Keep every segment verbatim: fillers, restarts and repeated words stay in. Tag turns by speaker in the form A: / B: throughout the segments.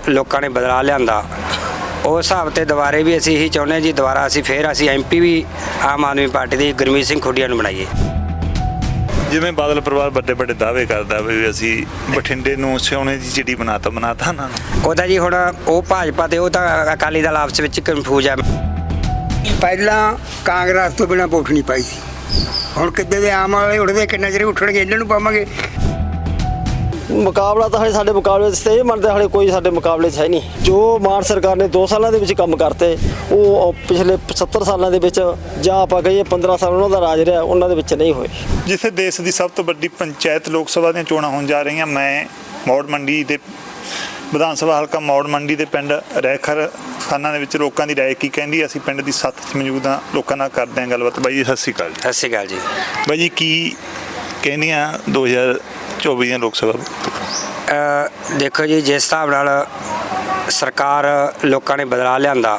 A: ਲੋਕਾਂ ਨੇ ਬਦਲਾ ਲਿਆਂਦਾ ਉਸ ਹਿਸਾਬ ਤੇ ਦੁਬਾਰੇ ਵੀ ਅਸੀਂ ਇਹੀ ਚਾਹੁੰਦੇ ਜੀ ਦੁਬਾਰਾ ਅਸੀਂ ਫੇਰ ਅਸੀਂ ਐਮਪੀ ਵੀ ਆਮ ਆਦਮੀ ਪਾਰਟੀ ਦੀ ਗੁਰਮੀਤ ਸਿੰਘ ਖੁੱਡੀਆਂ ਨੂੰ ਬਣਾਈਏ।
B: ਜਿਵੇਂ ਬਾਦਲ ਪਰਿਵਾਰ ਵੱਡੇ ਵੱਡੇ ਦਾਅਵੇ ਕਰਦਾ ਵੀ ਅਸੀਂ ਬਠਿੰਡੇ ਨੂੰ ਸੋਨੇ ਦੀ ਚਿੜੀ ਬਣਾਤਾ ਬਣਾਤਾ ਉਹਨਾਂ ਨੂੰ।
A: ਉਹਦਾ ਜੀ ਹੁਣ ਉਹ ਭਾਜਪਾ ਤੇ ਉਹ ਤਾਂ ਅਕਾਲੀ ਦਲ ਆਪਸ ਵਿੱਚ ਕਨਫਿਊਜ਼ ਹੈ।
C: ਪਹਿਲਾਂ ਕਾਂਗਰਸ ਤੋਂ ਬਿਨਾਂ ਵੋਟ ਨਹੀਂ ਪਾਈ ਸੀ, ਹੁਣ ਕਿੱਦੇ ਦੇ ਆਮ ਵਾਲੇ ਉੱਠਦੇ ਕਿੰਨਾ ਚਿਰ ਉੱਠਣਗੇ ਇਹਨਾਂ ਨੂੰ ਪਾਵਾਂਗੇ।
D: ਮੁਕਾਬਲਾ ਤਾਂ ਹਲੇ ਸਾਡੇ ਮੁਕਾਬਲੇ 'ਚ ਤੇ ਇਹ ਮੰਨਦੇ ਹਲੇ ਕੋਈ ਸਾਡੇ ਮੁਕਾਬਲੇ 'ਚ ਹੈ ਨਹੀਂ। ਜੋ ਮਾਨ ਸਰਕਾਰ ਨੇ ਦੋ ਸਾਲਾਂ ਦੇ ਵਿੱਚ ਕੰਮ ਕਰਤੇ ਉਹ ਪਿਛਲੇ ਸੱਤਰ ਸਾਲਾਂ ਦੇ ਵਿੱਚ ਜਾਂ ਆਪਾਂ ਕਹੀਏ ਪੰਦਰਾਂ ਸਾਲ ਉਹਨਾਂ ਦਾ ਰਾਜ ਰਿਹਾ ਉਹਨਾਂ ਦੇ ਵਿੱਚ ਨਹੀਂ ਹੋਏ।
B: ਜਿੱਥੇ ਦੇਸ਼ ਦੀ ਸਭ ਤੋਂ ਵੱਡੀ ਪੰਚਾਇਤ ਲੋਕ ਸਭਾ ਦੀਆਂ ਚੋਣਾਂ ਹੋਣ ਜਾ ਰਹੀਆਂ, ਮੈਂ ਮੌੜ ਮੰਡੀ ਦੇ ਵਿਧਾਨ ਸਭਾ ਹਲਕਾ ਮੌੜ ਮੰਡੀ ਦੇ ਪਿੰਡ ਰੈਖਰ ਖਾਨਾ ਦੇ ਵਿੱਚ ਲੋਕਾਂ ਦੀ ਰਾਏ ਕੀ ਕਹਿੰਦੀ, ਅਸੀਂ ਪਿੰਡ ਦੀ ਸੱਤ 'ਚ ਮੌਜੂਦ ਹਾਂ, ਲੋਕਾਂ ਨਾਲ ਕਰਦੇ ਹਾਂ ਗੱਲਬਾਤ। ਬਾਈ ਜੀ ਸਤਿ ਸ਼੍ਰੀ ਅਕਾਲ।
A: ਸਤਿ ਸ਼੍ਰੀ ਅਕਾਲ ਜੀ।
B: ਬਾਈ ਜੀ ਕੀ ਕਹਿੰਦੀਆਂ ਦੋ ਹਜ਼ਾਰ ਚੌਵੀ ਦੀਆਂ ਲੋਕ ਸਭਾ?
A: ਦੇਖੋ ਜੀ ਜਿਸ ਹਿਸਾਬ ਨਾਲ ਸਰਕਾਰ ਲੋਕਾਂ ਨੇ ਬਦਲਾ ਲਿਆਂਦਾ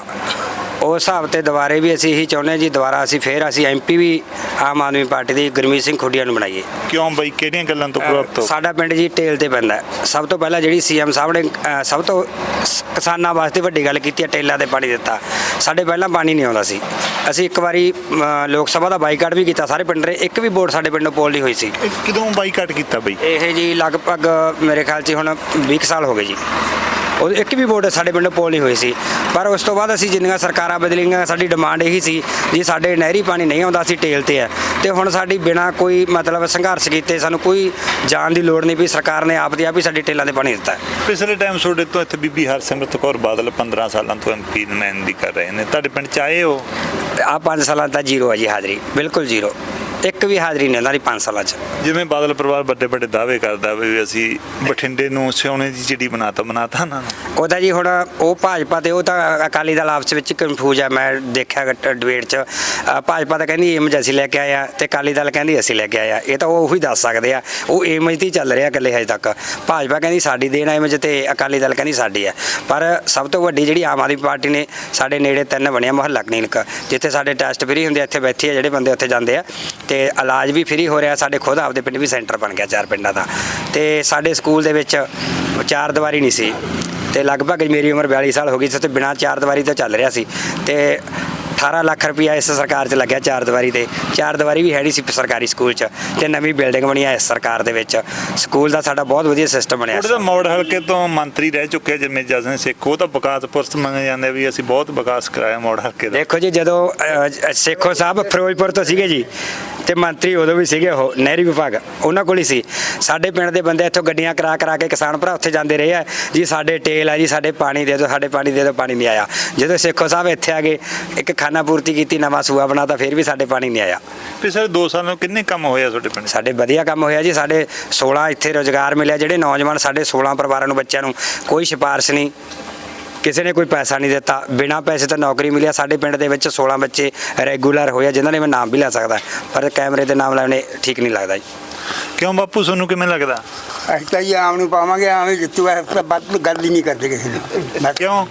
A: ਉਸ ਹਿਸਾਬ ਤੇ ਦੁਬਾਰੇ ਵੀ ਅਸੀਂ ਇਹੀ ਚਾਹੁੰਦੇ ਜੀ ਦੁਬਾਰਾ ਅਸੀਂ ਫੇਰ ਅਸੀਂ ਐਮਪੀ ਵੀ ਆਮ ਆਦਮੀ ਪਾਰਟੀ ਦੀ ਗੁਰਮੀਤ ਸਿੰਘ ਖੁੱਡੀਆਂ ਨੂੰ ਬਣਾਈਏ।
B: ਕਿਉਂ ਬਾਈ, ਕਿਹੜੀਆਂ ਗੱਲਾਂ ਤੋਂ ਪ੍ਰਭਾਵਿਤ ਹੋ?
A: ਸਾਡਾ ਪਿੰਡ ਜੀ ਟੇਲ ਤੇ ਪੈਂਦਾ। ਸਭ ਤੋਂ ਪਹਿਲਾਂ ਜਿਹੜੀ ਸੀਐਮ ਸਾਹਿਬ ਨੇ ਸਭ ਤੋਂ ਕਿਸਾਨਾਂ ਵਾਸਤੇ ਵੱਡੀ ਗੱਲ ਕੀਤੀ ਹੈ, ਟੇਲਾਂ ਤੇ ਪਾਣੀ ਦਿੱਤਾ। ਸਾਡੇ ਪਹਿਲਾਂ ਪਾਣੀ ਨਹੀਂ ਆਉਂਦਾ ਸੀ। ਅਸੀਂ ਇੱਕ ਵਾਰੀ ਲੋਕ ਸਭਾ ਦਾ ਬਾਈਕਾਟ ਵੀ ਕੀਤਾ, ਸਾਰੇ ਪਿੰਡ ਦੇ ਇੱਕ ਵੀ ਵੋਟ ਸਾਡੇ ਪਿੰਡੋਂ ਪੋਲ ਨਹੀਂ ਹੋਈ ਸੀ।
B: ਕਿਦੋਂ ਬਾਈਕਾਟ ਕੀਤਾ ਬਈ?
A: ਇਹ ਜੀ ਲਗਭਗ ਮੇਰੇ ਖਿਆਲ 'ਚ ਹੁਣ ਵੀਹ ਸਾਲ ਹੋ ਗਏ ਜੀ। ਉਹ ਇੱਕ ਵੀ ਵੋਟ ਸਾਡੇ ਪਿੰਡੋਂ ਪੋਲ ਨਹੀਂ ਹੋਈ ਸੀ। ਪਰ ਉਸ ਤੋਂ ਬਾਅਦ ਅਸੀਂ ਜਿੰਨੀਆਂ ਸਰਕਾਰਾਂ ਬਦਲੀਆਂ ਸਾਡੀ ਡਿਮਾਂਡ ਇਹੀ ਸੀ ਜੀ ਸਾਡੇ ਨਹਿਰੀ ਪਾਣੀ ਨਹੀਂ ਆਉਂਦਾ, ਅਸੀਂ ਟੇਲ ਤੇ ਆ ਤੇ ਹੁਣ ਸਾਡੀ ਬਿਨਾਂ ਕੋਈ ਮਤਲਬ ਸੰਘਰਸ਼ ਕੀਤੇ ਸਾਨੂੰ ਕੋਈ ਜਾਣ ਦੀ ਲੋੜ ਨਹੀਂ ਪਈ। ਸਰਕਾਰ ਨੇ ਆਪ ਦੀ ਆਪ ਹੀ ਸਾਡੀ ਟੇਲਾਂ 'ਤੇ ਪਾਣੀ ਦਿੱਤਾ।
B: ਪਿਛਲੇ ਟਾਈਮ ਤੁਹਾਡੇ ਤੋਂ ਇੱਥੇ ਬੀਬੀ ਹਰਸਿਮਰਤ ਕੌਰ ਬਾਦਲ ਪੰਦਰਾਂ ਸਾਲਾਂ ਤੋਂ ਐਮਪੀ ਨੁਮਾਇੰਦਗੀ ਕਰ ਰਹੇ ਨੇ, ਤੁਹਾਡੇ ਪਿੰਡ 'ਚ ਆਏ ਹੋ?
A: ਆਹ ਪੰਜ ਸਾਲਾਂ ਦਾ ਜ਼ੀਰੋ ਹੈ ਜੀ ਹਾਜ਼ਰੀ, ਬਿਲਕੁਲ ਜ਼ੀਰੋ, ਇੱਕ ਵੀ ਹਾਜ਼ਰੀ ਨਹੀਂ ਉਹਨਾਂ ਦੀ ਪੰਜ ਸਾਲਾਂ 'ਚ।
B: ਜਿਵੇਂ ਬਾਦਲ ਪਰਿਵਾਰ ਵੱਡੇ ਵੱਡੇ ਦਾਅਵੇ ਕਰਦਾ ਵੀ ਅਸੀਂ ਬਠਿੰਡੇ ਨੂੰ ਸੋਨੇ ਦੀ ਚਿੜੀ ਬਣਾਤਾ ਬਣਾਤਾ ਉਹਨਾਂ ਨੂੰ।
A: ਉਹਦਾ ਜੀ ਹੁਣ ਉਹ ਭਾਜਪਾ ਤੇ ਉਹ ਤਾਂ ਅਕਾਲੀ ਦਲ ਆਪਸ ਵਿੱਚ ਕਨਫਿਊਜ਼ ਹੈ। ਮੈਂ ਦੇਖਿਆ ਡਿਬੇਟ 'ਚ ਭਾਜਪਾ ਤਾਂ ਕਹਿੰਦੀ ਏਮਜ ਅਸੀਂ ਲੈ ਕੇ ਆਏ ਆ ਤੇ ਅਕਾਲੀ ਦਲ ਕਹਿੰਦੀ ਅਸੀਂ ਲੈ ਕੇ ਆਏ ਆ। ਇਹ ਤਾਂ ਉਹ ਉਹੀ ਦੱਸ ਸਕਦੇ ਆ, ਉਹ ਏਮਜ 'ਤੇ ਹੀ ਚੱਲ ਰਿਹਾ ਇਕੱਲੇ ਹਜੇ ਤੱਕ। ਭਾਜਪਾ ਕਹਿੰਦੀ ਸਾਡੀ ਦੇਣ ਏਮਜ ਤੇ ਅਕਾਲੀ ਦਲ ਕਹਿੰਦੀ ਸਾਡੀ ਹੈ। ਪਰ ਸਭ ਤੋਂ ਵੱਡੀ ਜਿਹੜੀ ਆਮ ਆਦਮੀ ਪਾਰਟੀ ਨੇ ਸਾਡੇ ਨੇੜੇ ਤਿੰਨ ਬਣਿਆ ਮੁਹੱਲਾ ਕਲੀਨਿਕ, ਜਿੱਥੇ ਸਾਡੇ ਟੈਸਟ ਫਰੀ ਹੁੰਦੇ, ਇੱਥੇ ਬੈਠੇ ਆ ਜਿਹੜੇ ਬੰਦੇ ਉੱਥੇ ਜਾਂਦੇ ਆ ਤੇ ਇਲਾਜ ਵੀ ਫਰੀ ਹੋ ਰਿਹਾ। ਸਾਡੇ ਖੁਦ ਆਪਦੇ ਪਿੰਡ ਵੀ ਸੈਂਟਰ ਬਣ ਗਿਆ ਚਾਰ ਪਿੰਡਾਂ ਦਾ। ਤੇ ਸਾਡੇ ਸਕੂਲ ਦੇ ਵਿੱਚ ਚਾਰ ਦੀਵਾਰੀ ਨਹੀਂ ਸੀ ਤੇ ਲਗਭਗ ਮੇਰੀ ਉਮਰ ਬਿਆਲੀ ਸਾਲ ਹੋ ਗਈ ਸੀ ਤੇ ਬਿਨਾਂ ਚਾਰ ਦੀਵਾਰੀ ਤੋਂ ਚੱਲ ਰਿਹਾ ਸੀ ਤੇ ਅਠਾਰਾਂ ਲੱਖ ਰੁਪਇਆ ਇਸ ਸਰਕਾਰ 'ਚ ਲੱਗਿਆ ਚਾਰ ਦੀਵਾਰੀ ਤੇ। ਚਾਰ ਦੀਵਾਰੀ ਵੀ ਹੈ ਨਹੀਂ ਸੀ ਸਰਕਾਰੀ ਸਕੂਲ 'ਚ ਤੇ ਨਵੀਂ ਬਿਲਡਿੰਗ ਬਣੀ ਹੈ ਇਸ ਸਰਕਾਰ ਦੇ ਵਿੱਚ। ਸਕੂਲ ਦਾ ਸਾਡਾ ਬਹੁਤ ਵਧੀਆ ਸਿਸਟਮ ਬਣਿਆ।
B: ਉਹਦਾ ਮੌੜ ਹਲਕੇ ਤੋਂ ਮੰਤਰੀ ਰਹਿ ਚੁੱਕੇ ਜਿਵੇਂ ਜਸਨ ਸਿੱਖ, ਉਹ ਤਾਂ ਵਿਕਾਸ ਪੁਰਸ਼ ਮੰਨੇ ਜਾਂਦੇ ਵੀ ਅਸੀਂ ਬਹੁਤ ਵਿਕਾਸ ਕਰਾਇਆ ਮੌੜ ਹਲਕੇ ਦਾ।
A: ਦੇਖੋ ਜੀ ਜਦੋਂ ਸੇਖੋ ਸਾਹਿਬ ਫਿਰੋਜ਼ਪੁਰ ਤੋਂ ਸੀਗੇ ਜੀ ਤੇ ਮੰਤਰੀ ਉਦੋਂ ਵੀ ਸੀਗੇ, ਉਹ ਨਹਿਰੀ ਵਿਭਾਗ ਉਹਨਾਂ ਕੋਲ ਹੀ ਸੀ। ਸਾਡੇ ਪਿੰਡ ਦੇ ਬੰਦੇ ਇੱਥੋਂ ਗੱਡੀਆਂ ਕਰਾ ਕਰਾ ਕੇ ਕਿਸਾਨ ਭਰਾ ਉੱਥੇ ਜਾਂਦੇ ਰਹੇ ਆ ਜੀ ਸਾਡੇ ਟੇਲ ਆ ਜੀ, ਸਾਡੇ ਪਾਣੀ ਦੇ ਦਿਓ, ਸਾਡੇ ਪਾਣੀ ਦੇ ਦਿਓ, ਪਾਣੀ ਨਹੀਂ ਆਇਆ। ਜਦੋਂ ਸੇਖੋ ਸਾਹਿਬ ਇੱਥੇ ਆ ਗਏ ਇੱਕ ਖਾਨਾ ਪੂਰਤੀ ਕੀਤੀ, ਨਵਾਂ ਸੂਆ ਬਣਾਤਾ, ਫਿਰ ਵੀ ਸਾਡੇ ਪਾਣੀ ਨਹੀਂ ਆਇਆ।
B: ਪਿਛਲੇ ਦੋ ਸਾਲਾਂ ਨੂੰ ਕਿੰਨੇ ਕੰਮ ਹੋਇਆ ਤੁਹਾਡੇ ਪਿੰਡ?
A: ਸਾਡੇ ਵਧੀਆ ਕੰਮ ਹੋਇਆ ਜੀ। ਸਾਡੇ ਸੋਲਾਂ ਇੱਥੇ ਰੁਜ਼ਗਾਰ ਮਿਲਿਆ, ਜਿਹੜੇ ਨੌਜਵਾਨ ਸਾਡੇ ਸੋਲਾਂ ਪਰਿਵਾਰਾਂ ਨੂੰ ਬੱਚਿਆਂ ਨੂੰ ਕੋਈ ਸਿਫਾਰਿਸ਼ ਨਹੀਂ, ਕਿਸੇ ਨੇ ਕੋਈ ਪੈਸਾ ਨਹੀਂ ਦਿੱਤਾ, ਬਿਨਾਂ ਪੈਸੇ ਤੋਂ ਨੌਕਰੀ ਮਿਲਿਆ। ਸਾਡੇ ਪਿੰਡ ਦੇ ਵਿੱਚ ਸੋਲਾਂ ਬੱਚੇ ਰੈਗੂਲਰ ਹੋਏ, ਜਿਨ੍ਹਾਂ ਨੇ ਮੈਂ ਨਾਮ ਵੀ ਲੈ ਸਕਦਾ ਪਰ ਕੈਮਰੇ ਦੇ ਨਾਮ ਲੈਣੇ ਠੀਕ ਨਹੀਂ ਲੱਗਦਾ ਜੀ।
B: ਕਿਉਂ ਬਾਪੂ, ਤੁਹਾਨੂੰ ਕਿਵੇਂ ਲੱਗਦਾ?
C: ਅਸੀਂ ਤਾਂ ਜੀ ਆਮ ਨੂੰ ਪਾਵਾਂਗੇ, ਆਮ ਹੀ ਜਿੱਤੂਗਾ, ਵੱਧ ਗੱਲ ਹੀ ਨਹੀਂ ਕਰਦੇ ਕਿਸੇ ਨੂੰ।
B: ਕਿਉਂ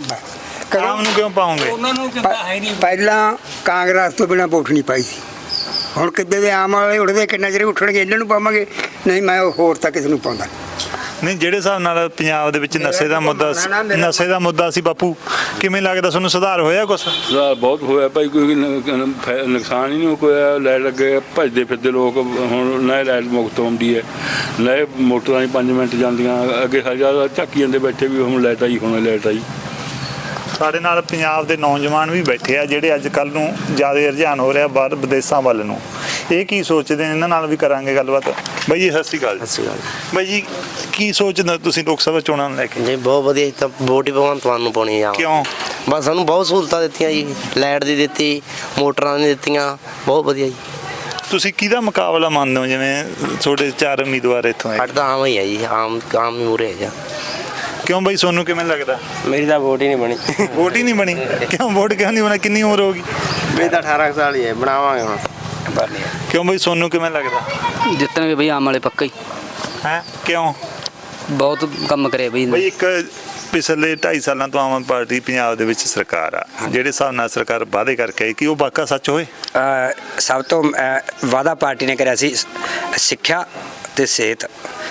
B: ਆਮ ਨੂੰ ਕਿਉਂ ਪਾਉਂਗੇ?
C: ਪਹਿਲਾਂ ਕਾਂਗਰਸ ਤੋਂ ਬਿਨਾਂ ਵੋਟ ਨਹੀਂ ਪਾਈ ਸੀ, ਹੁਣ ਕਿੱਦੇ ਦੇ ਆਮ ਵਾਲੇ ਉੱਠਦੇ ਕਿੰਨਾ ਚਿਰ ਉੱਠਣਗੇ ਇਹਨਾਂ ਨੂੰ ਪਾਵਾਂਗੇ, ਨਹੀਂ ਮੈਂ ਹੋਰ ਤਾਂ ਕਿਸੇ ਨੂੰ ਪਾਉਂਦਾ
B: ਨਹੀਂ। ਜਿਹੜੇ ਹਿਸਾਬ ਨਾਲ ਪੰਜਾਬ ਦੇ ਵਿੱਚ ਨਸ਼ੇ ਦਾ ਮੁੱਦਾ ਨਸ਼ੇ ਦਾ ਮੁੱਦਾ ਸੀ ਬਾਪੂ, ਕਿਵੇਂ ਲੱਗਦਾ ਤੁਹਾਨੂੰ ਸੁਧਾਰ ਹੋਇਆ? ਕੁਛ
E: ਸੁਧਾਰ ਬਹੁਤ ਹੋਇਆ ਭਾਈ, ਕੋਈ ਨੁਕਸਾਨ ਹੀ ਨਹੀਂ ਹੋਇਆ। ਲਾਈਟ ਲੱਗੇ ਭੱਜਦੇ ਫਿਰਦੇ ਲੋਕ, ਹੁਣ ਨਾ ਲਾਈਟ ਮੁਕਤ ਆਉਂਦੀ ਹੈ, ਨਾ ਮੋਟਰਾਂ ਹੀ ਪੰਜ ਮਿੰਟ ਜਾਂਦੀਆਂ। ਅੱਗੇ ਹਜ਼ਾਰ ਝਾਕੀ ਜਾਂਦੇ ਬੈਠੇ ਵੀ ਹੁਣ ਲਾਈਟ ਆਈ, ਹੁਣ ਲਾਈਟ ਆਈ।
B: ਸਾਡੇ ਨਾਲ ਪੰਜਾਬ ਦੇ ਨੌਜਵਾਨ ਵੀ ਬੈਠੇ ਆ ਜਿਹੜੇ ਅੱਜ ਕੱਲ੍ਹ ਨੂੰ ਜ਼ਿਆਦਾ ਰੁਝਾਨ ਹੋ ਰਿਹਾ ਬਾਹਰ ਵਿਦੇਸ਼ਾਂ ਵੱਲ ਨੂੰ। ਇਹ ਕੀ ਸੋਚਦੇ ਨੇ, ਇਹਨਾਂ ਨਾਲ ਵੀ ਕਰਾਂਗੇ ਗੱਲਬਾਤ। ਬਾਈ ਜੀ ਸਤਿ ਸ਼੍ਰੀ ਅਕਾਲ।
D: ਸਤਿ ਸ਼੍ਰੀ ਅਕਾਲ
B: ਬਾਈ ਜੀ ਕੀ ਸੋਚਦੇ ਤੁਸੀਂ ਲੋਕ ਸਭਾ ਚੋਣਾਂ ਨੂੰ ਲੈ ਕੇ?
D: ਜੀ ਬਹੁਤ ਵਧੀਆ, ਤਾਂ ਵੋਟ ਹੀ ਭਗਵੰਤ ਮਾਨ ਨੂੰ ਪਾਉਣੀ ਆ।
B: ਕਿਉਂ?
D: ਬਸ ਸਾਨੂੰ ਬਹੁਤ ਸਹੂਲਤਾਂ ਦਿੱਤੀਆਂ ਜੀ, ਲਾਈਟ ਦੀ ਦਿੱਤੀ, ਮੋਟਰਾਂ ਦੀ ਦਿੱਤੀਆਂ, ਬਹੁਤ ਵਧੀਆ ਜੀ।
B: ਤੁਸੀਂ ਕਿਹਦਾ ਮੁਕਾਬਲਾ ਮੰਨਦੇ ਹੋ? ਜਿਵੇਂ ਤੁਹਾਡੇ ਚਾਰ ਉਮੀਦਵਾਰ ਇੱਥੋਂ ਆਏ।
D: ਸਾਡੇ ਤਾਂ ਆਮ ਹੀ ਆ ਜੀ, ਆਮ ਆਮ ਹੀ ਮੂਹਰੇ ਹੈ ਜੀ।
B: ਕਿਉਂ ਬਾਈ, ਤੁਹਾਨੂੰ ਕਿਵੇਂ ਲੱਗਦਾ?
D: ਮੇਰੀ ਤਾਂ ਵੋਟ ਹੀ ਨਹੀਂ ਬਣੀ।
B: ਵੋਟ ਹੀ ਨਹੀਂ ਬਣੀ? ਕਿਉਂ ਵੋਟ ਕਿਉਂ ਨਹੀਂ ਬਣੀ? ਕਿੰਨੀ ਉਮਰ ਹੋ ਗਈ?
D: ਮੇਰੀ ਤਾਂ ਅਠਾਰਾਂ ਸਾਲ ਹੀ ਹੈ, ਬਣਾਵਾਂਗੇ ਹੁਣ।
B: ਕਿਉਂ ਬਾਈ, ਤੁਹਾਨੂੰ ਕਿਵੇਂ ਲੱਗਦਾ?
F: ਜਿੱਤਣਗੇ ਬਈ ਆਮ ਵਾਲੇ ਪੱਕਾ ਹੀ।
B: ਹੈ ਕਿਉਂ?
F: ਬਹੁਤ ਕੰਮ ਕਰੇ ਬਈ।
B: ਬਈ ਇੱਕ ਪਿਛਲੇ ਢਾਈ ਸਾਲਾਂ ਤੋਂ ਆਮ ਪਾਰਟੀ ਪੰਜਾਬ ਦੇ ਵਿੱਚ ਸਰਕਾਰ ਆ, ਜਿਹੜੇ ਹਿਸਾਬ ਨਾਲ ਸਰਕਾਰ ਵਾਅਦੇ ਕਰਕੇ ਆਈ, ਕਿ ਉਹ ਵਾਕਾ ਸੱਚ ਹੋਏ?
A: ਸਭ ਤੋਂ ਵਾਅਦਾ ਪਾਰਟੀ ਨੇ ਕਰਿਆ ਸੀ ਸਿੱਖਿਆ ਤੇ ਸਿਹਤ।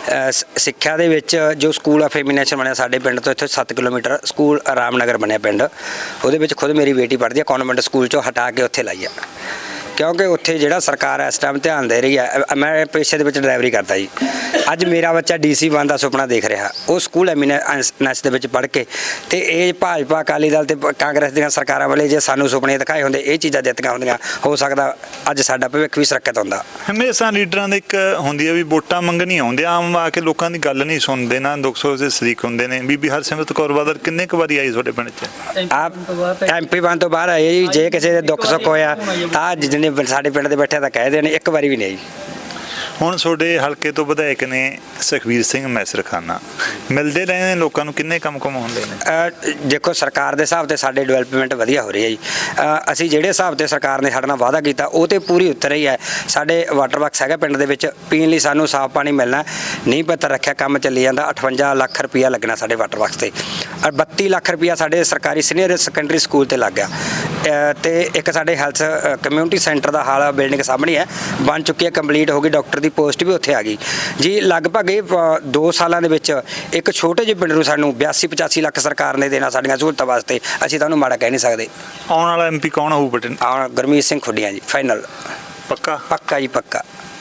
A: ਅ, ਸ- ਸਿੱਖਿਆ ਦੇ ਵਿੱਚ ਜੋ ਸਕੂਲ ਆਫ ਫੈਮਿਨੇਸ਼ਨ ਬਣਿਆ ਸਾਡੇ ਪਿੰਡ ਤੋਂ ਇੱਥੇ ਸੱਤ ਕਿਲੋਮੀਟਰ ਸਕੂਲ ਰਾਮਨਗਰ ਬਣਿਆ ਪਿੰਡ, ਉਹਦੇ ਵਿੱਚ ਖੁਦ ਮੇਰੀ ਬੇਟੀ ਪੜ੍ਹਦੀ ਹੈ, ਕਨਵੈਂਟ ਸਕੂਲ ਚੋਂ ਹਟਾ ਕੇ ਉੱਥੇ ਲਾਈ ਆ, ਕਿਉਂਕਿ ਉੱਥੇ ਜਿਹੜਾ ਸਰਕਾਰ ਇਸ ਟਾਈਮ ਧਿਆਨ ਦੇ ਰਹੀ ਹੈ। ਅ- ਮੈਂ ਪੇਸ਼ੇ ਦੇ ਵਿੱਚ ਡਰਾਈਵਰੀ ਕਰਦਾ ਜੀ, ਅੱਜ ਮੇਰਾ ਬੱਚਾ ਡੀਸੀ ਬਣਨ ਦਾ ਸੁਪਨਾ ਦੇਖ ਰਿਹਾ, ਉਹ ਸਕੂਲ ਐਮੀਨੈਂਸ ਦੇ ਵਿੱਚ ਪੜ੍ਹ ਕੇ, ਤੇ ਇਹ ਭਾਜਪਾ ਅਕਾਲੀ ਦਲ ਤੇ ਪ- ਕਾਂਗਰਸ ਦੀਆਂ ਸਰਕਾਰਾਂ ਵਾਲੇ ਜੇ ਸਾਨੂੰ ਸੁਪਨੇ ਦਿਖਾਏ ਹੁੰਦੇ, ਇਹ ਚੀਜ਼ਾਂ ਦਿੱਤੀਆਂ ਹੁੰਦੀਆਂ, ਹੋ ਸਕਦਾ ਅੱਜ ਸਾਡਾ ਭਵਿੱਖ ਵੀ ਸੁਰੱਖਿਅਤ ਹੁੰਦਾ।
B: ਹਮੇਸ਼ਾ ਲੀਡਰਾਂ ਦੇ ਇੱਕ ਹੁੰਦੀ ਹੈ ਵੀ ਵੋਟਾਂ ਮੰਗਣੀ ਆਉਂਦੇ ਆ, ਆਮ ਆ ਕੇ ਲੋਕਾਂ ਦੀ ਗੱਲ ਨਹੀਂ ਸੁਣਦੇ, ਨਾ ਦੁੱਖ ਸੁੱਖ ਦੇ ਸ਼ਰੀਕ ਹੁੰਦੇ ਨੇ। ਬੀਬੀ ਹਰਸਿਮਰਤ ਕੌਰ ਬਾਦਲ ਕਿੰਨੇ ਕੁ ਵਾਰੀ ਆਈ ਤੁਹਾਡੇ ਪਿੰਡ 'ਚ?
A: ਆਪ ਐਮਪੀ ਬਣ ਤੋਂ ਬਾਹਰ ਆਏ ਜੀ, ਜੇ ਕਿਸੇ ਦੇ ਦੁੱਖ ਸੁੱਖ ਹੋਇਆ ਤਾਂ ਜਿਹਨੇ ਸਾਡੇ ਪਿੰਡ ਦੇ ਬੈਠੇ ਤਾਂ ਕਹਿ ਦੇਣ, ਇੱਕ ਵਾਰੀ ਵੀ ਨਹੀਂ ਆਈ।
B: ਹੁਣ ਤੁਹਾਡੇ ਹਲਕੇ ਤੋਂ ਵਿਧਾਇਕ ਨੇ ਸੁਖਬੀਰ ਸਿੰਘ ਮੈਸਰਖਾਨਾ, ਮਿਲਦੇ ਰਹੇ ਨੇ ਲੋਕਾਂ ਨੂੰ, ਕਿੰਨੇ ਕੰਮ ਕੰਮ ਹੁੰਦੇ ਨੇ?
A: ਅ, ਦੇਖੋ ਸਰਕਾਰ ਦੇ ਹਿਸਾਬ ਤੇ ਸਾਡੇ ਡਿਵੈਲਪਮੈਂਟ ਵਧੀਆ ਹੋ ਰਹੀ ਹੈ ਜੀ। ਅ, ਅਸੀਂ ਜਿਹੜੇ ਹਿਸਾਬ ਤੇ ਸਰਕਾਰ ਨੇ ਸਾਡੇ ਨਾਲ ਵਾਅਦਾ ਕੀਤਾ ਉਹ ਤੇ ਪੂਰੀ ਉਤਰ ਰਹੀ ਹੈ। ਸਾਡੇ ਵਾਟਰ ਬਾਕਸ ਹੈਗਾ ਪਿੰਡ ਦੇ ਵਿੱਚ, ਪੀਣ ਲਈ ਸਾਨੂੰ ਸਾਫ਼ ਪਾਣੀ ਮਿਲਣਾ, ਨਹੀਂ ਪਤਾ ਰੱਖਿਆ ਕੰਮ ਚੱਲੀ ਜਾਂਦਾ। ਅਠਵੰਜਾ ਲੱਖ ਰੁਪਇਆ ਲੱਗਣਾ ਸਾਡੇ ਵਾਟਰ ਬਾਕਸ ਤੇ, ਔਰ ਬੱਤੀ ਲੱਖ ਰੁਪਇਆ ਸਾਡੇ ਸਰਕਾਰੀ ਸੀਨੀਅਰ ਸੈਕੰਡਰੀ ਸਕੂਲ ਤੇ ਲੱਗ ਗਿਆ। ਅ, ਤੇ ਇੱਕ ਸਾਡੇ ਹੈਲਥ ਕਮਿਊਨਿਟੀ ਸੈਂਟਰ ਦਾ ਹਾਲ ਬਿਲਡਿੰਗ ਸਾਹਮਣੇ ਹੈ, ਬਣ ਚੁੱਕੀ ਹੈ, ਕੰਪਲੀਟ ਹੋ ਗਈ, ਡਾਕਟਰ ਦੀ ਪੋਸਟ ਵੀ ਉੱਥੇ ਆ ਗਈ ਜੀ। ਲਗਭਗ ਇਹ ਅ, ਦੋ ਸਾਲਾਂ ਦੇ ਵਿੱਚ ਇੱਕ ਛੋਟੇ ਜਿਹੇ ਪਿੰਡ ਨੂੰ ਸਾਨੂੰ ਬਿਆਸੀ ਪਚਾਸੀ ਲੱਖ ਸਰਕਾਰ ਨੇ ਦੇਣਾ ਸਾਡੀਆਂ ਸਹੂਲਤਾਂ ਵਾਸਤੇ, ਅਸੀਂ ਤਾਂ ਉਹਨੂੰ ਮਾੜਾ ਕਹਿ ਨਹੀਂ ਸਕਦੇ।
B: ਆਉਣ ਵਾਲਾ ਐਮਪੀ ਕੌਣ ਹੋਊ ਬਟਨ?
A: ਆਹ ਗੁਰਮੀਤ ਸਿੰਘ ਖੁੱਡੀਆਂ ਜੀ, ਫਾਈਨਲ
B: ਪੱਕਾ?
A: ਪੱਕਾ ਜੀ ਪੱਕਾ।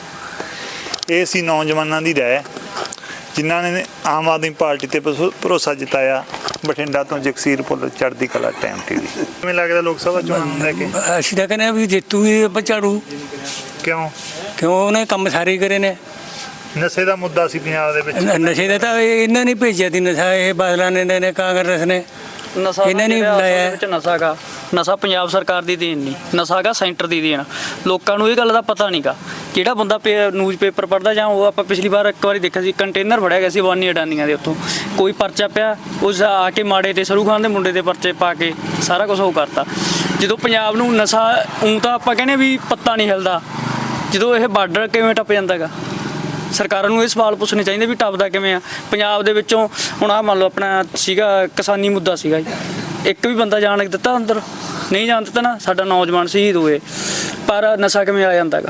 B: ਇਹ ਸੀ ਨੌਜਵਾਨਾਂ ਦੀ ਰਾਏ, ਜਿਨ੍ਹਾਂ ਨੇ ਆਮ ਆਦਮੀ ਪਾਰਟੀ ਤੇ ਭਰੋ- ਭਰੋਸਾ ਜਤਾਇਆ। ਬਠਿੰਡਾ ਤੋਂ ਜਗਸੀਰ ਭੁੱਲਰ, ਚੜ੍ਹਦੀ ਕਲਾ ਟਾਈਮ ਟੀਵੀ। ਕਿਵੇਂ ਲੱਗਦਾ ਲੋਕ ਸਭਾ ਚੋਣਾਂ ਨੂੰ ਲੈ ਕੇ?
G: ਅਸੀਂ ਤਾਂ ਕਹਿੰਦੇ ਆ ਵੀ ਜੇਤੂ ਹੀ ਬਚਾੜੂ,
B: ਕਿਉਂ?
G: ਕਿਉਂ ਉਹਨੇ ਕੰਮ ਸਾਰੇ ਕਰੇ ਨੇ।
B: ਨਸ਼ੇ ਦਾ ਮੁੱਦਾ ਸੀ ਪੰਜਾਬ ਦੇ ਵਿੱਚ।
G: ਨ- ਨਸ਼ੇ ਦਾ ਤਾਂ ਇਹ- ਇਹਨਾਂ ਨੇ ਭੇਜਿਆ ਦੀ ਨਸ਼ਾ, ਇਹ ਬਾਦਲਾਂ ਨੇ ਨੇ ਕਾਂਗਰਸ ਨੇ
F: ਨਸ਼ਾ
G: ਇਹਨਾਂ ਨੇ
F: ਜਿਹੜਾ ਅਸਲ ਦੇ
G: ਲਾਇਆ।
F: ਵਿੱਚ ਨਸ਼ਾ ਗਾ, ਨਸ਼ਾ ਪੰਜਾਬ ਸਰਕਾਰ ਦੀ ਦੇਣ ਨਹੀਂ, ਨਸ਼ਾ ਗਾ ਸੈਂਟਰ ਦੀ ਦੇਣ। ਲੋਕਾਂ ਨੂੰ ਇਹ ਗੱਲ ਦਾ ਪਤਾ ਨਹੀਂਗਾ। ਜਿਹੜਾ ਬੰਦਾ ਨਿਊਜ਼ ਪੇਪਰ ਪੜ੍ਹਦਾ, ਜਾਂ ਉਹ ਆਪਾਂ ਪਿਛਲੀ ਵਾਰ ਇੱਕ ਵਾਰੀ ਦੇਖਿਆ ਸੀ, ਕੰਟੇਨਰ ਫੜਿਆ ਗਿਆ ਸੀ ਵਾਨੀ ਅਡਾਨੀਆਂ ਦੇ ਉੱਥੋਂ, ਕੋਈ ਪਰਚਾ ਪਿਆ, ਉਸ ਆ ਕੇ ਮਾੜੇ ਤੇ ਸਰੂ ਖਾਨ ਦੇ ਮੁੰਡੇ ਦੇ ਪਰਚੇ ਪਾ ਕੇ ਸਾਰਾ ਕੁਝ ਉਹ ਕਰਤਾ। ਜਦੋਂ ਪੰਜਾਬ ਨੂੰ ਨਸ਼ਾ, ਊਂ ਤਾਂ ਆਪਾਂ ਕਹਿੰਦੇ ਵੀ ਪੱਤਾ ਨਹੀਂ ਹਿਲਦਾ, ਜਦੋਂ ਇਹ ਬਾਰਡਰ ਕਿਵੇਂ ਟੱਪ ਜਾਂਦਾ ਗਾ। ਸਰਕਾਰਾਂ ਨੂੰ ਇਹ ਸਵਾਲ ਪੁੱਛਣੇ ਚਾਹੀਦੇ ਵੀ ਟੱਪਦਾ ਕਿਵੇਂ ਆ ਪੰਜਾਬ ਦੇ ਵਿੱਚੋਂ। ਹੁਣ ਆਹ ਮੰਨ ਲਓ ਆਪਣਾ ਸੀਗਾ ਕਿਸਾਨੀ ਮੁੱਦਾ ਸੀਗਾ ਜੀ, ਇੱਕ ਵੀ ਬੰਦਾ ਜਾਣ ਦਿੱਤਾ ਅੰਦਰ? ਨਹੀਂ ਜਾਣ ਦਿੱਤਾ ਨਾ। ਸਾਡਾ ਨੌਜਵਾਨ ਸ਼ਹੀਦ ਹੋਏ, ਪਰ ਨਸ਼ਾ ਕਿਵੇਂ ਆ ਜਾਂਦਾ ਗਾ?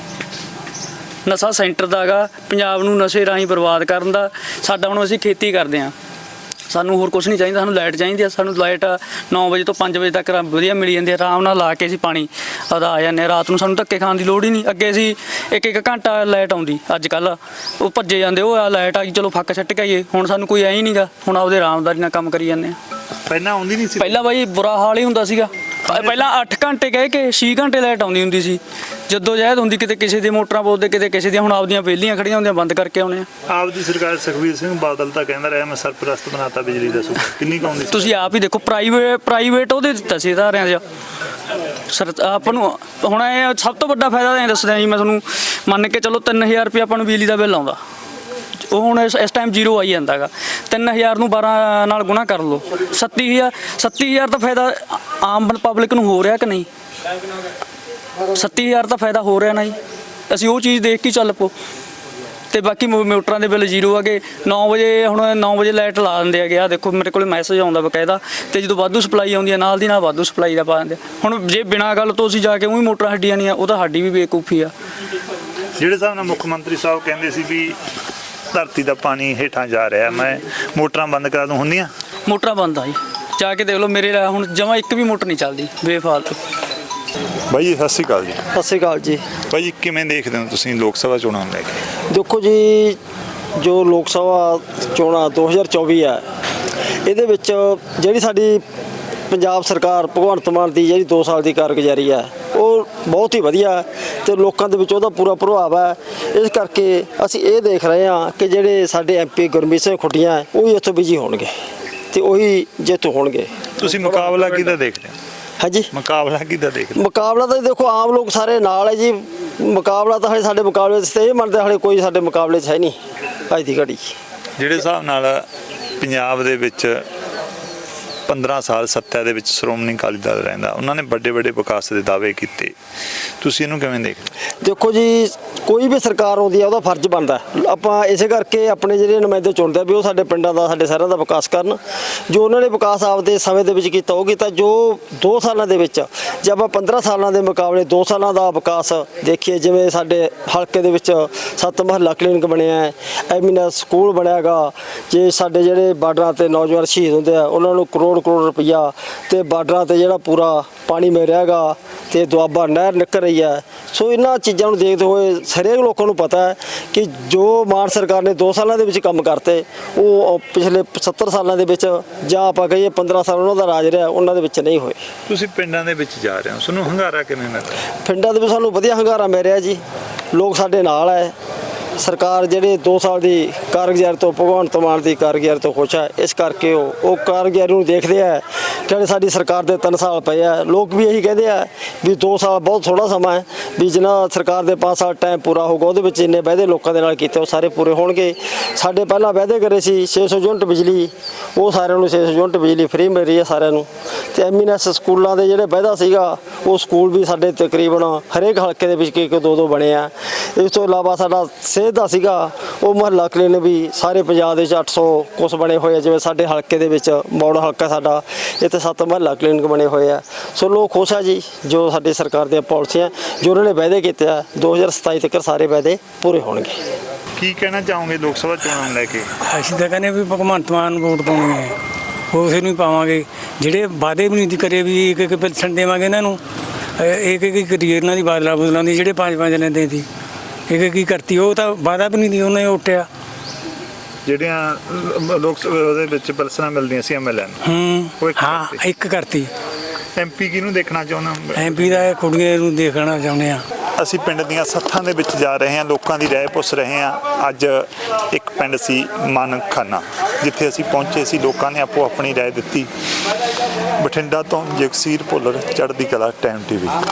F: ਨਸ਼ਾ ਸੈਂਟਰ ਦਾ ਗਾ, ਪੰਜਾਬ ਨੂੰ ਨਸ਼ੇ ਰਾਹੀਂ ਬਰਬਾਦ ਕਰਨ ਦਾ। ਸਾਡਾ ਹੁਣ ਅਸੀਂ ਖੇਤੀ ਕਰਦੇ ਹਾਂ, ਸਾਨੂੰ ਹੋਰ ਕੁਝ ਨਹੀਂ ਚਾਹੀਦਾ, ਸਾਨੂੰ ਲਾਈਟ ਚਾਹੀਦੀ ਆ। ਸਾਨੂੰ ਲਾਈਟ ਨੌ ਵਜੇ ਤੋਂ ਪੰਜ ਵਜੇ ਤੱਕ ਵਧੀਆ ਮਿਲ ਜਾਂਦੀ ਹੈ, ਆਰਾਮ ਨਾਲ ਲਾ ਕੇ ਅਸੀਂ ਪਾਣੀ ਆਦਾ ਆ ਜਾਂਦੇ ਹਾਂ। ਰਾਤ ਨੂੰ ਸਾਨੂੰ ਧੱਕੇ ਖਾਣ ਦੀ ਲੋੜ ਹੀ ਨਹੀਂ। ਅੱਗੇ ਅਸੀਂ ਇੱਕ ਇੱਕ ਘੰਟਾ ਲਾਈਟ ਆਉਂਦੀ, ਅੱਜ ਕੱਲ੍ਹ ਉਹ ਭੱਜੇ ਜਾਂਦੇ, ਉਹ ਆ ਲਾਈਟ ਆ ਗਈ ਚਲੋ ਫੱਕ ਛੱਟ ਕੇ ਆਈਏ। ਹੁਣ ਸਾਨੂੰ ਕੋਈ ਐ ਹੀ ਨਹੀਂਗਾ, ਹੁਣ ਆਪਦੇ ਆਰਾਮਦਾਰੀ ਨਾਲ ਕੰਮ ਕਰੀ ਜਾਂਦੇ ਆ।
B: ਪਹਿਲਾਂ ਆਉਂਦੀ ਨਹੀਂ ਸੀ?
F: ਪਹਿਲਾਂ ਬਾਈ ਬੁਰਾ ਹਾਲ ਹੀ ਹੁੰਦਾ ਸੀਗਾ। ਪ- ਪਹਿਲਾਂ ਅੱਠ ਘੰਟੇ ਕਹਿ ਕੇ ਛੇ ਘੰਟੇ ਲਾਈਟ ਆਉਂਦੀ ਹੁੰਦੀ ਸੀ, ਜਦੋਂ ਜਹਿਦ ਹੁੰਦੀ, ਕਿਤੇ ਕਿਸੇ ਦੀ ਮੋਟਰਾਂ ਬੋਲਦੇ, ਕਿਤੇ ਕਿਸੇ ਦੀਆਂ। ਹੁਣ ਆਪਦੀਆਂ ਵਿਹਲੀਆਂ ਖੜੀਆਂ ਹੁੰਦੀਆਂ, ਬੰਦ ਕਰਕੇ ਆਉਣੇ ਆ।
B: ਆਪਦੀ ਸਰਕਾਰ ਸੁਖਬੀਰ ਸਿੰਘ ਬਾਦਲ ਤਾਂ ਕਹਿੰਦਾ ਰਿਹਾ ਮੈਂ ਸਰਪ੍ਰਸਤ ਬਣਾਤਾ ਬਿਜਲੀ ਦਾ ਸੂਬਾ, ਕਿੰਨੀ ਕੁ ਆਉਂਦੀ ਸੀ?
F: ਤੁਸੀਂ ਆਪ ਹੀ ਦੇਖੋ, ਪ੍ਰਾਈਵੇਟ ਪ੍ਰਾਈਵੇਟ ਉਹਦੇ ਦਿੱਤਾ ਸੀ ਅਦਾਰਿਆਂ 'ਚ। ਸਰ ਆਪਾਂ ਨੂੰ ਹੁਣ ਇਹ ਸਭ ਤੋਂ ਵੱਡਾ ਫਾਇਦਾ ਤਾਂ ਇਹ ਦੱਸਦਾ ਜੀ ਮੈਂ ਤੁਹਾਨੂੰ, ਮੰਨ ਕੇ ਚਲੋ ਤਿੰਨ ਹਜ਼ਾਰ ਰੁਪਏ ਆਪਾਂ ਨੂੰ ਬਿਜਲੀ ਦਾ ਬਿੱਲ ਆਉਂਦਾ, ਉਹ ਹੁਣ ਇਸ ਇਸ ਟਾਈਮ ਜ਼ੀਰੋ ਆਈ ਜਾਂਦਾ ਗਾ। ਤਿੰਨ ਹਜ਼ਾਰ ਨੂੰ ਬਾਰਾਂ ਨਾਲ ਗੁਣਾ ਕਰ ਲਓ, ਸੱਤੀ ਹਜ਼ਾਰ ਸੱਤੀ ਹਜ਼ਾਰ ਦਾ ਫਾਇਦਾ ਆਮ ਪਬਲਿਕ ਨੂੰ ਹੋ ਰਿਹਾ ਕਿ ਨਹੀਂ? ਸੱਤੀ ਹਜ਼ਾਰ ਦਾ ਫਾਇਦਾ ਹੋ ਰਿਹਾ ਨਾ ਜੀ। ਅਸੀਂ ਉਹ ਚੀਜ਼ ਦੇਖ ਕੇ ਚੱਲ ਪੋ। ਤੇ ਬਾਕੀ ਮੋ- ਮੋਟਰਾਂ ਦੇ ਬਿੱਲ ਜ਼ੀਰੋ ਆਗੇ। ਨੌ ਵਜੇ ਹੁਣ ਨੌ ਵਜੇ ਲਾਈਟ ਲਾ ਦਿੰਦੇ ਹੈਗੇ ਆ, ਦੇਖੋ ਮੇਰੇ ਕੋਲ ਮੈਸੇਜ ਆਉਂਦਾ ਬਕਾਇਦਾ। ਤੇ ਜਦੋਂ ਵਾਧੂ ਸਪਲਾਈ ਆਉਂਦੀ ਹੈ, ਨਾਲ ਦੀ ਨਾਲ ਵਾਧੂ ਸਪਲਾਈ ਦਾ ਪਾ ਦਿੰਦੇ। ਹੁਣ ਜੇ ਬਿਨਾਂ ਗੱਲ ਤੋਂ ਅਸੀਂ ਜਾ ਕੇ ਉਹੀ ਮੋਟਰਾਂ ਹੱਡੀਆਂ ਨਹੀਂ ਆ, ਉਹ ਤਾਂ ਸਾਡੀ ਵੀ ਬੇਵਕੂਫੀ ਆ।
B: ਜਿਹੜੇ ਹਿਸਾਬ ਨਾਲ ਮੁੱਖ ਮੰਤਰੀ ਸਾਹਿਬ ਕਹਿੰਦੇ ਸੀ ਵੀ ਧਰਤੀ ਦਾ ਪਾਣੀ ਹੇਠਾਂ ਜਾ ਰਿਹਾ, ਮੈਂ ਮੋਟਰਾਂ ਬੰਦ ਕਰਾ ਦੂੰ, ਹੁੰਦੀਆਂ?
F: ਮੋਟਰਾਂ ਬੰਦ ਆ ਜੀ, ਜਾ ਕੇ ਦੇਖ ਲਓ ਮੇਰੇ ਨਾਲ ਹੁਣ ਜਮਾਂ ਇੱਕ ਵੀ ਮੋਟਰ ਨਹੀਂ ਚੱਲਦੀ ਬੇਫਾਲਤੂ।
B: ਬਾਈ ਜੀ ਸਤਿ ਸ਼੍ਰੀ ਅਕਾਲ ਜੀ।
D: ਸਤਿ ਸ਼੍ਰੀ ਅਕਾਲ ਜੀ।
B: ਬਾਈ ਜੀ ਕਿਵੇਂ ਦੇਖਦੇ ਹੋ ਤੁਸੀਂ ਲੋਕ ਸਭਾ ਚੋਣਾਂ ਨੂੰ ਲੈ ਕੇ?
D: ਦੇਖੋ ਜੀ, ਜੋ ਲੋਕ ਸਭਾ ਚੋਣਾਂ ਦੋ ਹਜ਼ਾਰ ਚੌਵੀ ਹੈ, ਇਹਦੇ ਵਿੱਚ ਜਿਹੜੀ ਸਾਡੀ ਪੰਜਾਬ ਸਰਕਾਰ ਭਗਵੰਤ ਮਾਨ ਦੀ ਜਿਹੜੀ ਦੋ ਸਾਲ ਦੀ ਕਾਰਗੁਜ਼ਾਰੀ ਹੈ, ਉਹ ਬਹੁਤ ਹੀ ਵਧੀਆ ਤੇ ਲੋਕਾਂ ਦੇ ਵਿੱਚ ਉਹਦਾ ਪੂਰਾ ਪ੍ਰਭਾਵ ਹੈ। ਇਸ ਕਰਕੇ ਅਸੀਂ ਇਹ ਦੇਖ ਰਹੇ ਹਾਂ ਕਿ ਜਿਹੜੇ ਸਾਡੇ ਐਮਪੀ ਗੁਰਮੀਤ ਸਿੰਘ ਖੁੱਡੀਆਂ, ਉਹ ਹੀ ਇੱਥੋਂ ਬਿਜੀ ਹੋਣਗੇ ਤੇ ਉਹੀ ਜੇਤੂ ਹੋਣਗੇ।
B: ਤੁਸੀਂ ਮੁਕਾਬਲਾ ਕਿਹਦਾ ਦੇਖਦੇ ਹੋ?
D: ਹਾਂਜੀ,
B: ਮੁਕਾਬਲਾ ਕਿਹਦਾ ਦੇਖਦੇ ਹੋ?
D: ਮੁਕਾਬਲਾ ਤਾਂ ਦੇਖੋ ਆਮ ਲੋਕ ਸਾਰੇ ਨਾਲ ਹੈ ਜੀ। ਮੁਕਾਬਲਾ ਤਾਂ ਹਾਲੇ ਸਾਡੇ ਮੁਕਾਬਲੇ 'ਚ ਤੇ ਇਹ ਮੰਨਦੇ ਹਾਲੇ ਕੋਈ ਸਾਡੇ ਮੁਕਾਬਲੇ 'ਚ ਹੈ ਨਹੀਂ ਅੱਜ ਦੀ ਘੜੀ।
B: ਜਿਹੜੇ ਹਿਸਾਬ ਨਾਲ ਪੰਜਾਬ ਦੇ ਵਿੱਚ ਪੰਦਰਾਂ ਸਾਲ ਸੱਤਾ ਦੇ ਵਿੱਚ ਸ਼੍ਰੋਮਣੀ ਅਕਾਲੀ ਦਲ ਰਹਿੰਦਾ, ਉਹਨਾਂ ਨੇ ਵੱਡੇ ਵੱਡੇ ਵਿਕਾਸ ਦੇ ਦਾਅਵੇ ਕੀਤੇ, ਤੁਸੀਂ ਇਹਨੂੰ ਕਿਵੇਂ ਦੇਖਦੇ?
D: ਦੇਖੋ ਜੀ, ਕੋਈ ਵੀ ਸਰਕਾਰ ਆਉਂਦੀ ਆ ਉਹਦਾ ਫਰਜ਼ ਬਣਦਾ ਹੈ। ਆਪਾਂ ਇਸੇ ਕਰਕੇ ਆਪਣੇ ਜਿਹੜੇ ਨੁਮਾਇੰਦੇ ਚੁਣਦੇ ਆ ਵੀ ਉਹ ਸਾਡੇ ਪਿੰਡਾਂ ਦਾ ਸਾਡੇ ਸ਼ਹਿਰਾਂ ਦਾ ਵਿਕਾਸ ਕਰਨ। ਜੋ ਉਹਨਾਂ ਨੇ ਵਿਕਾਸ ਆਪਦੇ ਸਮੇਂ ਦੇ ਵਿੱਚ ਕੀਤਾ ਉਹ ਕੀਤਾ। ਜੋ ਦੋ ਸਾਲਾਂ ਦੇ ਵਿੱਚ ਜੇ ਆਪਾਂ ਪੰਦਰਾਂ ਸਾਲਾਂ ਦੇ ਮੁਕਾਬਲੇ ਦੋ ਸਾਲਾਂ ਦਾ ਵਿਕਾਸ ਦੇਖੀਏ, ਜਿਵੇਂ ਸਾਡੇ ਹਲਕੇ ਦੇ ਵਿੱਚ ਸੱਤ ਮਹੱਲਾ ਕਲੀਨਿਕ ਬਣਿਆ ਹੈ, ਐਮੀਨਸ ਸਕੂਲ ਬਣਿਆ ਗਾ, ਜੇ ਸਾਡੇ ਜਿਹੜੇ ਬਾਰਡਰਾਂ ਤੇ ਨੌਜਵਾਨ ਸ਼ਹੀਦ ਹੁੰਦੇ ਆ ਉਹਨਾਂ ਨੂੰ ਕਰੋੜ ਕਰੋੜ ਰੁਪਈਆ, ਤੇ ਬਾਰਡਰਾਂ ਤੇ ਜਿਹੜਾ ਪੂਰਾ ਪਾਣੀ ਮਿਲ ਰਿਹਾ ਗਾ, ਤੇ ਦੁਆਬਾ ਨਹਿਰ ਨਿਕਲ ਰਹੀ ਹੈ। ਸੋ ਇਹਨਾਂ ਚੀਜ਼ਾਂ ਨੂੰ ਦੇਖਦੇ ਹੋਏ ਹਰੇਕ ਲੋਕਾਂ ਨੂੰ ਪਤਾ ਹੈ ਕਿ ਜੋ ਮਾਨ ਸਰਕਾਰ ਨੇ ਦੋ ਸਾਲਾਂ ਦੇ ਵਿੱਚ ਕੰਮ ਕਰਤੇ ਉਹ ਪਿਛਲੇ ਸੱਤਰ ਸਾਲਾਂ ਦੇ ਵਿੱਚ ਜਾਂ ਆਪਾਂ ਕਹੀਏ ਪੰਦਰਾਂ ਸਾਲ ਉਹਨਾਂ ਦਾ ਰਾਜ ਰਿਹਾ ਉਹਨਾਂ ਦੇ ਵਿੱਚ ਨਹੀਂ ਹੋਏ।
B: ਤੁਸੀਂ ਪਿੰਡਾਂ ਦੇ ਵਿੱਚ ਜਾ ਰਹੇ ਹੋ, ਤੁਹਾਨੂੰ ਹੰਗਾਰਾ ਕਿਵੇਂ ਮਿਲ ਰਿਹਾ?
D: ਪਿੰਡਾਂ ਦੇ ਵਿੱਚ ਸਾਨੂੰ ਵਧੀਆ ਹੰਗਾਰਾ ਮਿਲ ਰਿਹਾ ਜੀ। ਲੋਕ ਸਾਡੇ ਨਾਲ ਹੈ। ਸਰਕਾਰ ਜਿਹੜੇ ਦੋ ਸਾਲ ਦੀ ਕਾਰਗੁਜ਼ਾਰੀ ਤੋਂ ਭਗਵੰਤ ਮਾਨ ਦੀ ਕਾਰਗੁਜ਼ਾਰੀ ਤੋਂ ਖੁਸ਼ ਹੈ। ਇਸ ਕਰਕੇ ਉਹ ਉਹ ਕਾਰਗੁਜ਼ਾਰੀ ਨੂੰ ਦੇਖਦੇ ਆ ਕਿ ਸਾਡੀ ਸਰਕਾਰ ਦੇ ਤਿੰਨ ਸਾਲ ਪਏ ਆ। ਲੋਕ ਵੀ ਇਹੀ ਕਹਿੰਦੇ ਆ ਵੀ ਦੋ ਸਾਲ ਬਹੁਤ ਥੋੜਾ ਸਮਾਂ ਹੈ, ਵੀ ਜਿੰਨਾ ਸਰਕਾਰ ਦੇ ਪੰਜ ਸਾਲ ਟਾਈਮ ਪੂਰਾ ਹੋਊਗਾ ਉਹਦੇ ਵਿੱਚ ਇੰਨੇ ਵਾਅਦੇ ਲੋਕਾਂ ਦੇ ਨਾਲ ਕੀਤੇ ਉਹ ਸਾਰੇ ਪੂਰੇ ਹੋਣਗੇ। ਸਾਡੇ ਪਹਿਲਾਂ ਵਾਅਦੇ ਕਰੇ ਸੀ ਛੇ ਸੌ ਯੂਨਿਟ ਬਿਜਲੀ, ਉਹ ਸਾਰਿਆਂ ਨੂੰ ਛੇ ਸੌ ਯੂਨਿਟ ਬਿਜਲੀ ਫ੍ਰੀ ਮਿਲ ਰਹੀ ਹੈ ਸਾਰਿਆਂ ਨੂੰ। ਤੇ ਐਮਐਨਐਸ ਸਕੂਲਾਂ ਦੇ ਜਿਹੜੇ ਵਾਅਦਾ ਸੀਗਾ ਉਹ ਸਕੂਲ ਵੀ ਸਾਡੇ ਤਕਰੀਬਨ ਹਰੇਕ ਹਲਕੇ ਦੇ ਵਿੱਚ ਇੱਕ ਦੋ ਦੋ ਬਣੇ ਆ। ਇਸ ਤੋਂ ਇਲਾਵਾ ਸਾਡਾ ਸਿਹਤ ਦਾ ਸੀਗਾ ਉਹ ਮੁਹੱਲਾ ਕਲੀਨਿਕ ਵੀ ਸਾਰੇ ਪੰਜਾਬ ਦੇ ਵਿੱਚ ਅੱਠ ਸੌ ਕੁਛ ਬਣੇ ਹੋਏ ਆ। ਜਿਵੇਂ ਸਾਡੇ ਹਲਕੇ ਦੇ ਵਿੱਚ ਮੌੜ ਹਲਕਾ ਸਾਡਾ, ਇੱਥੇ ਸੱਤ ਮੁਹੱਲਾ ਕਲੀਨਿਕ ਬਣੇ ਹੋਏ ਆ। ਸੋ ਲੋਕ ਖੁਸ਼ ਆ ਜੀ ਜੋ ਸਾਡੀ ਸਰਕਾਰ ਦੀਆਂ ਪਾਲਿਸੀਆਂ ਜੋ ਉਹਨਾਂ ਨੇ ਵਾਅਦੇ ਕੀਤੇ ਆ ਦੋ ਹਜ਼ਾਰ ਸਤਾਈ ਤੱਕ ਸਾਰੇ ਵਾਅਦੇ ਪੂਰੇ ਹੋਣਗੇ।
B: ਕੀ ਕਹਿਣਾ ਚਾਹੋਗੇ ਲੋਕ ਸਭਾ ਚੋਣਾਂ ਨੂੰ ਲੈ ਕੇ?
G: ਅਸੀਂ ਤਾਂ ਕਹਿੰਦੇ ਵੀ ਭਗਵੰਤ ਮਾਨ ਨੂੰ ਵੋਟ ਪਾਉਣੀ ਹੈ, ਉਸੇ ਨੂੰ ਹੀ ਪਾਵਾਂਗੇ। ਜਿਹੜੇ ਵਾਅਦੇ ਵੀ ਨਹੀਂ ਕਰੇ ਵੀ ਇੱਕ ਇੱਕ ਪੈਨਸ਼ਨ ਦੇਵਾਂਗੇ ਇਹਨਾਂ ਨੂੰ, ਇੱਕ ਇੱਕ ਕਰੀਏ ਇਹਨਾਂ ਦੀ ਬਾਦਲਾ ਬਦਲਾਂ ਦੀ ਜਿਹੜੇ ਪੰਜ ਪੰਜ ਲੈਂਦੇ ਸੀ, ਇੱਕ ਕੀ ਕਰਤੀ ਉਹ ਤਾਂ ਵਾਅਦਾ ਵੀ ਨਹੀਂ ਦੀ ਉਹਨੇ ਉੱਟਿਆ।
B: ਜਿਹੜੀਆਂ ਲੋਕ ਸਭਾ ਦੇ ਵਿੱਚ ਪੈਨਸ਼ਨਾਂ ਮਿਲਦੀਆਂ ਸੀ ਐਮਐਲਏ ਨੂੰ, ਉਹ
G: ਹੂੰ
B: ਇੱਕ
G: ਹਾਂ
B: ਕਰਤੀ।
G: ਇੱਕ ਕਰਤੀ।
B: ਐਮਪੀ ਕਿਹਨੂੰ ਦੇਖਣਾ ਚਾਹੁੰਦਾ?
G: ਐਮਪੀ ਦਾ ਕੁੜੀਆਂ ਨੂੰ ਦੇਖਣਾ ਚਾਹੁੰਦੇ ਆ।
B: ਅਸੀਂ ਪਿੰਡ ਦੀਆਂ ਸੱਥਾਂ ਦੇ ਵਿੱਚ ਜਾ ਰਹੇ ਹਾਂ, ਲੋਕਾਂ ਦੀ ਰਾਏ ਪੁੱਛ ਰਹੇ ਹਾਂ। ਅੱਜ ਇੱਕ ਪਿੰਡ ਸੀ ਮਾਨਖਾਨਾ, ਜਿੱਥੇ ਅਸੀਂ ਪਹੁੰਚੇ ਸੀ। ਲੋਕਾਂ ਨੇ ਆਪੋ ਆਪਣੀ ਰਾਏ ਦਿੱਤੀ। ਬਠਿੰਡਾ ਤੋਂ ਜਗਸੀਰ ਭੁੱਲਰ, ਚੜ੍ਹਦੀ ਕਲਾ ਟਾਈਮ ਟੀਵੀ।